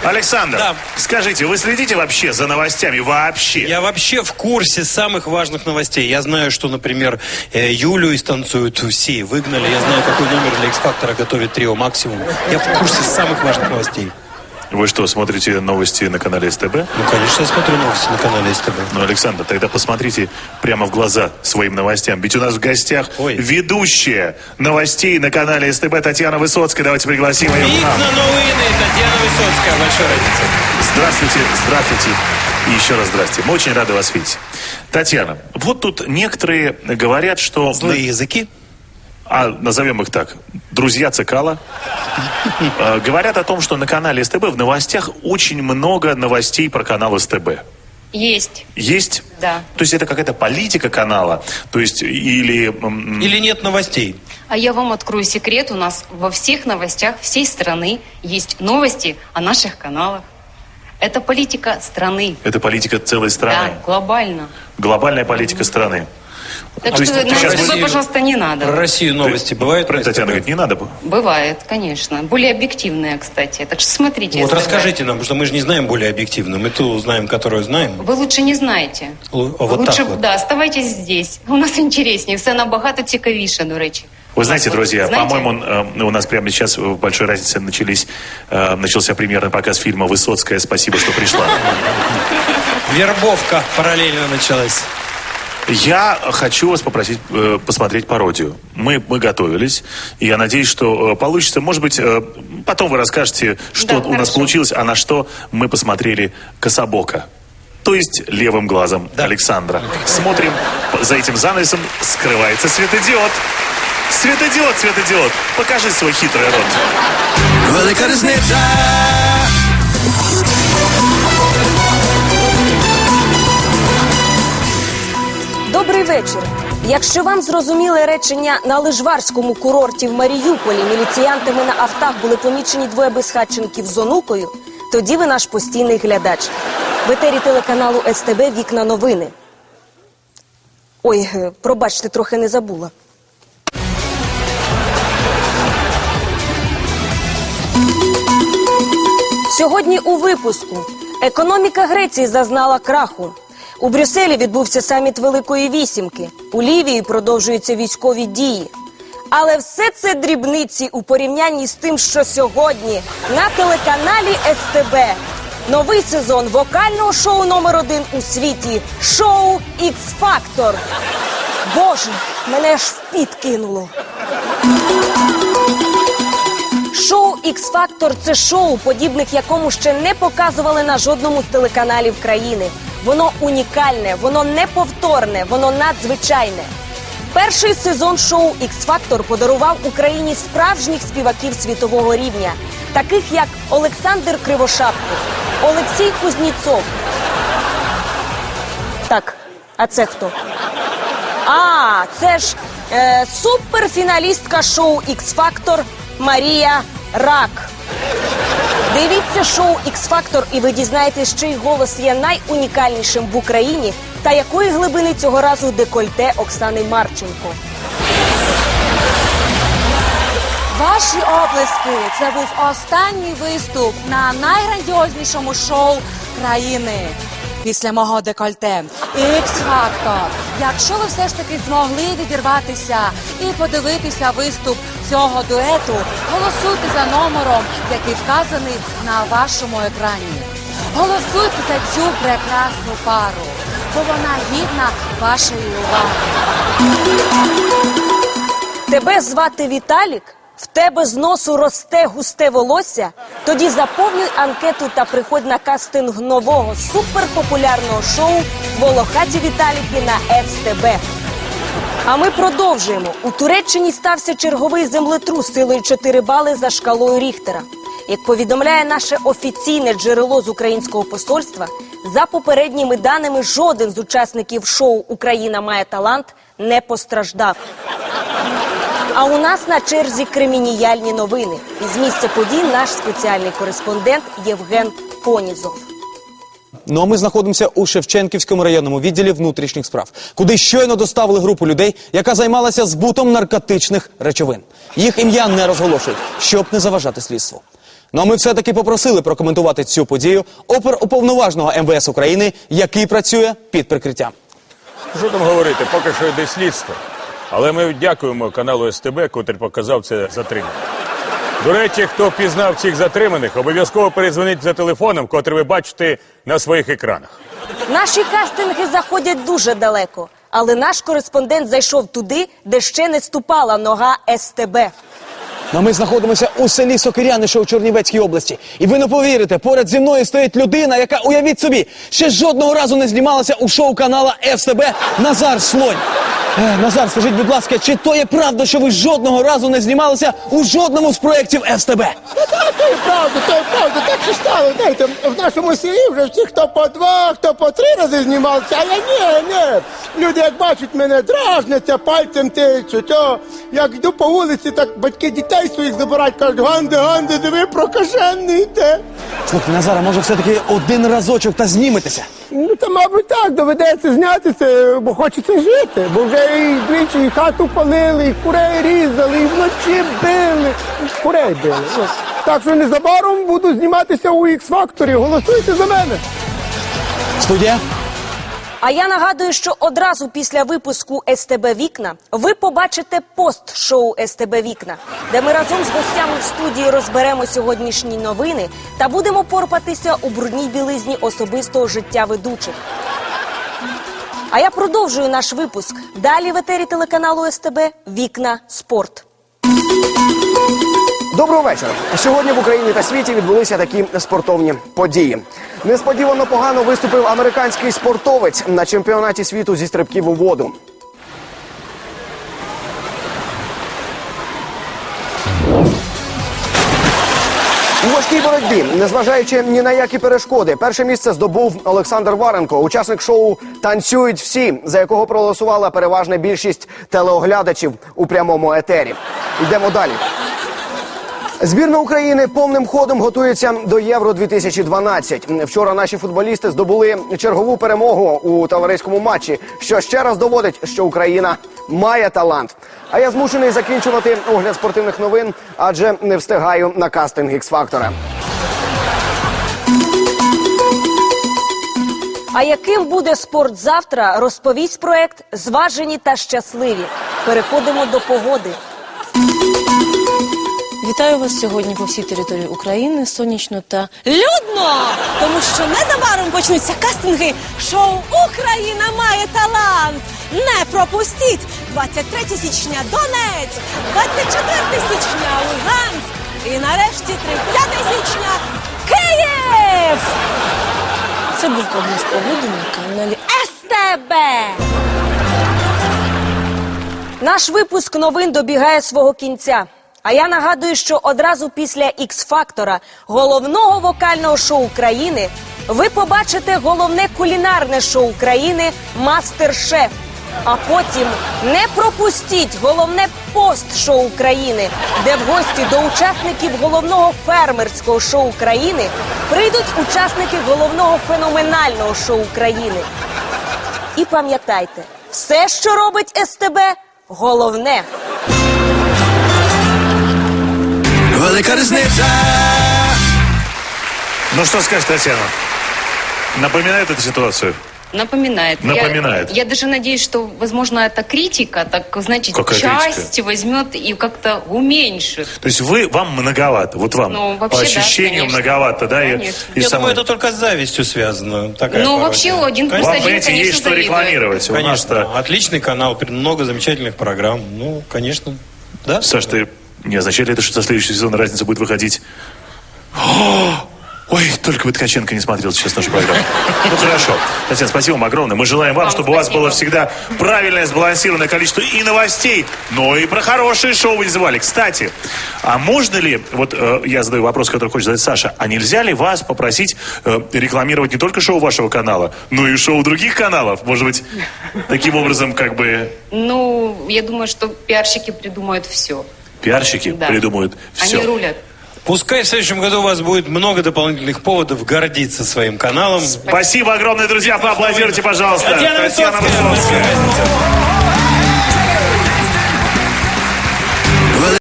Александр, Да. скажите, вы следите вообще за новостями? Вообще? Я вообще в курсе самых важных новостей. Я знаю, что, например, Юлю из «Танцуют все» выгнали. Я знаю, какой номер для X-Factor готовит трио «Максимум». Я в курсе самых важных новостей. Вы что, смотрите новости на канале СТБ? Ну, конечно, я смотрю новости на канале СТБ. Ну, Александр, тогда посмотрите прямо в глаза своим новостям. Ведь у нас в гостях ведущая новостей на канале СТБ Татьяна Высоцкая. Давайте пригласим ее. Вікна новини, Татьяна Высоцкая. Большая разница. Здравствуйте, здравствуйте. И еще раз здравствуйте. Мы очень рады вас видеть. Татьяна, вот тут некоторые говорят, что... Злые языки? Назовем их так. Друзья Цикала. Говорят о том, что на канале СТБ в новостях очень много новостей про канал СТБ. Есть. Есть? Да. То есть это какая-то политика канала? То есть или... Или нет новостей? А я вам открою секрет. У нас во всех новостях всей страны есть новости о наших каналах. Это политика страны. Это политика целой страны? Да, глобально. Глобальная политика страны. Так что на СТБ, пожалуйста, не надо. Про Россию новости бывают? Татьяна говорит, не надо. Бывает, конечно. Более объективные, кстати. Так что смотрите. Вот СТБ. расскажите нам, потому что мы же не знаем более объективно. Мы ту знаем, которую знаем. Ви лучше не знаєте. Вот лучше, так вот. Да, оставайтесь здесь. У нас інтересніше, все набагато цікавіше, до речі. Вы знаете, друзья, Знаете? по-моему, у нас прямо сейчас в «Большой разнице» начался премьерный показ фильма «Высоцкая. Спасибо, что пришла». Вербовка параллельно началась. Я хочу вас попросить посмотреть пародию. Мы готовились, и я надеюсь, что получится. Может быть, потом вы расскажете, что Да, у нас получилось, а на что мы посмотрели кособоко. То есть левым глазом Александра. Смотрим, за этим занавесом скрывается светодиод. Светодиод, светодиод, покажи свой хитрый рот. Велика різниця. Добрий вечір. Якщо вам зрозуміли речення «на лижварському курорті в Маріуполі міліціянтами на автах були помічені двоє безхатченків з онукою», тоді ви наш постійний глядач. В етері телеканалу СТБ «Вікна новини». Ой, пробачте, трохи не забула. Сьогодні у випуску. Економіка Греції зазнала краху. У Брюсселі відбувся саміт Великої Вісімки. У Лівії продовжуються військові дії. Але все це дрібниці у порівнянні з тим, що сьогодні на телеканалі СТБ. Новий сезон вокального шоу номер 1 у світі. Шоу X-Factor. Боже, мене аж в піт кинуло. Шоу X-Factor – це шоу, подібних якому ще не показували на жодному з телеканалів країни. Воно унікальне, воно неповторне, воно надзвичайне. Перший сезон шоу X-Factor подарував Україні справжніх співаків світового рівня, таких як Олександр Кривошапко, Олексій Кузнєцов. Так, а це хто? Це ж суперфіналістка шоу X-Factor Марія Рак. Дивіться шоу X-Factor і ви дізнаєтесь, чий голос є найунікальнішим в Україні та якої глибини цього разу декольте Оксани Марченко. Ваші оплески – це був останній виступ на найграндіознішому шоу країни. Після мого декольте X-Factor. Якщо ви все ж таки змогли відірватися і подивитися виступ цього дуету, голосуйте за номером, який вказаний на вашому екрані. Голосуйте за цю прекрасну пару, бо вона гідна вашої уваги. Тебе звати Віталік? В тебе з носу росте густе волосся? Тоді заповнюй анкету та приходь на кастинг нового суперпопулярного шоу «Волохаті Віталіки» на СТБ. А ми продовжуємо. У Туреччині стався черговий землетрус силою 4 бали за шкалою Ріхтера. Як повідомляє наше офіційне джерело з українського посольства, за попередніми даними жоден з учасників шоу «Україна має талант» не постраждав. А у нас на черзі кримініальні новини. Із місця подій наш спеціальний кореспондент Євген Понізов. Ну а ми знаходимося у Шевченківському районному відділі внутрішніх справ, куди щойно доставили групу людей, яка займалася збутом наркотичних речовин. Їх ім'я не розголошують, щоб не заважати слідству. Ну а ми все-таки попросили прокоментувати цю подію оперуповноваженого МВС України, який працює під прикриттям. Що там говорити, поки що йде слідство. Але ми дякуємо каналу СТБ, котрий показав це затримання. До речі, хто впізнав цих затриманих, обов'язково передзвоніть за телефоном, котрий ви бачите на своїх екранах. Наші кастинги заходять дуже далеко, але наш кореспондент зайшов туди, де ще не ступала нога СТБ. Ну, а ми знаходимося у селі Сокиряни, що у Чернівецькій області. І ви не повірите, поряд зі мною стоїть людина, яка, уявіть собі, ще жодного разу не знімалася у шоу канала СТБ «Назар Слонь». Назар, скажіть, будь ласка, чи то є правда, що ви жодного разу не знімалися у жодному з проєктів СТБ? То є правда, так що стало. Знаєте, в нашому селі вже всі, хто по 2, хто по 3 рази знімався, а я ні. Люди, як бачать мене, дражняться, пальцем тичуть. Як йду по вулиці, так батьки дітей своїх забирають, кажуть, Ганде, диви, прокажений йде. Слухай, Назара, може все-таки один разочок та зніметеся? Ну, та, мабуть, так, доведеться знятися, бо хочеться жити. Бо вже і двічі і хату палили, і курей різали, і вночі били, і курей били. Так що незабаром буду зніматися у X-Factor. Голосуйте за мене. Студія? А я нагадую, що одразу після випуску СТБ «Вікна» ви побачите пост-шоу СТБ «Вікна», де ми разом з гостями в студії розберемо сьогоднішні новини та будемо порпатися у брудній білизні особистого життя ведучих. А я продовжую наш випуск. Далі в етері телеканалу СТБ «Вікна. Спорт». Доброго вечора. Сьогодні в Україні та світі відбулися такі спортивні події. Несподівано погано виступив американський спортовець на чемпіонаті світу зі стрибків у воду. У важкій боротьбі, незважаючи ні на які перешкоди, перше місце здобув Олександр Варенко, учасник шоу «Танцюють всі», за якого проголосувала переважна більшість телеоглядачів у прямому етері. Йдемо далі. Збірна України повним ходом готується до Євро-2012. Вчора наші футболісти здобули чергову перемогу у товариському матчі, що ще раз доводить, що Україна має талант. А я змушений закінчувати огляд спортивних новин, адже не встигаю на кастинг X-Factor. А яким буде спорт завтра, розповість проект «Зважені та щасливі». Переходимо до погоди. Вітаю вас сьогодні по всій території України, сонячно та людно, тому що незабаром почнуться кастинги шоу «Україна має талант». Не пропустіть! 23 січня Донецьк, 24 січня Луганськ і нарешті 30 січня Київ! Це був прогноз погоди на каналі СТБ. Наш випуск новин добігає свого кінця. А я нагадую, що одразу після X-Factor, головного вокального шоу країни, ви побачите головне кулінарне шоу країни «Мастер-шеф». А потім не пропустіть головне пост-шоу країни, де в гості до учасників головного фермерського шоу країни прийдуть учасники головного феноменального шоу країни. І пам'ятайте, все, що робить СТБ, головне. Велика різниця. Ну что скажешь, Татьяна? Напоминает эту ситуацию? Напоминает. Напоминает. Я даже надеюсь, что, возможно, эта критика, так, знаете, Какая часть критика? возьмет и как-то уменьшит. То есть вам многовато, вот вам Ну, по вообще, ощущению да, конечно. многовато, да? Конечно. Я самой- думаю, это только с завистью связано. Такая Ну, пародия. вообще, один плюс Вам, один, понимаете, конечно, есть что завидует. рекламировать. У Конечно. нас-то... Отличный канал, много замечательных программ. Ну, конечно. Да? Саш, ты не означает ли это, что со следующего сезона разница будет выходить? Ой, только бы Ткаченко не смотрел сейчас нашу программу. Ну хорошо. Татьяна, спасибо вам огромное. Мы желаем вам, чтобы у вас было всегда правильное, сбалансированное количество и новостей, но и про хорошие шоу вы не забывали. Кстати, а можно ли, вот я задаю вопрос, который хочет задать Саша, а нельзя ли вас попросить рекламировать не только шоу вашего канала, но и шоу других каналов? Может быть, таким образом как бы... Ну, я думаю, что пиарщики придумают все. Пиарщики придумают все. Они рулят. Пускай в следующем году у вас будет много дополнительных поводов гордиться своим каналом. Спасибо огромное, друзья. Поаплодируйте, пожалуйста. Татьяна Высоцкая. Высоцкая.